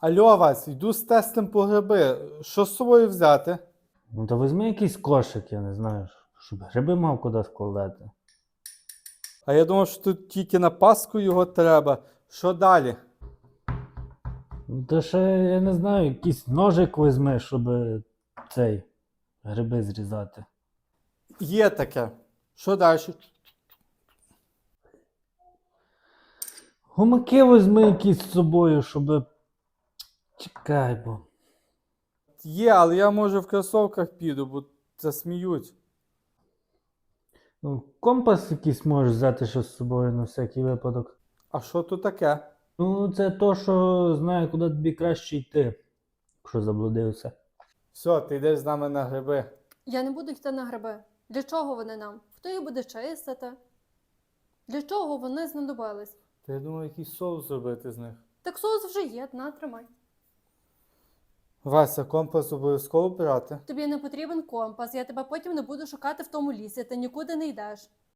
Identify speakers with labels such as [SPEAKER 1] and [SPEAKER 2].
[SPEAKER 1] Алло, Вась, йду з тестем по гриби. Що з собою взяти?
[SPEAKER 2] Ну то візьми якийсь кошик, я не знаю, щоб гриби мав куди складати.
[SPEAKER 1] А я думав, що тут тільки на Пасху його треба. Що далі?
[SPEAKER 2] Ну то ще, я не знаю, якийсь ножик візьми, щоб цей гриби зрізати.
[SPEAKER 1] Є таке. Що далі?
[SPEAKER 2] Гумаки візьми якісь з собою, щоб. Чекай, бо.
[SPEAKER 1] Є, але я може в кросовках піду, бо засміють.
[SPEAKER 2] Ну, компас якийсь можеш взяти ще з собою на всякий випадок.
[SPEAKER 1] А що тут таке?
[SPEAKER 2] Ну, це то, що знає, куди тобі краще йти, якщо заблудився.
[SPEAKER 1] Все, ти йдеш з нами на гриби.
[SPEAKER 3] Я не буду йти на гриби. Для чого вони нам? Хто їх буде чистити? Для чого вони знадобились?
[SPEAKER 1] Та я думаю, якийсь соус зробити з них.
[SPEAKER 3] Так соус вже є, на, тримай.
[SPEAKER 1] Вася, компас обов'язково брати.
[SPEAKER 3] Тобі не потрібен компас, я тебе потім не буду шукати в тому лісі, ти нікуди не йдеш.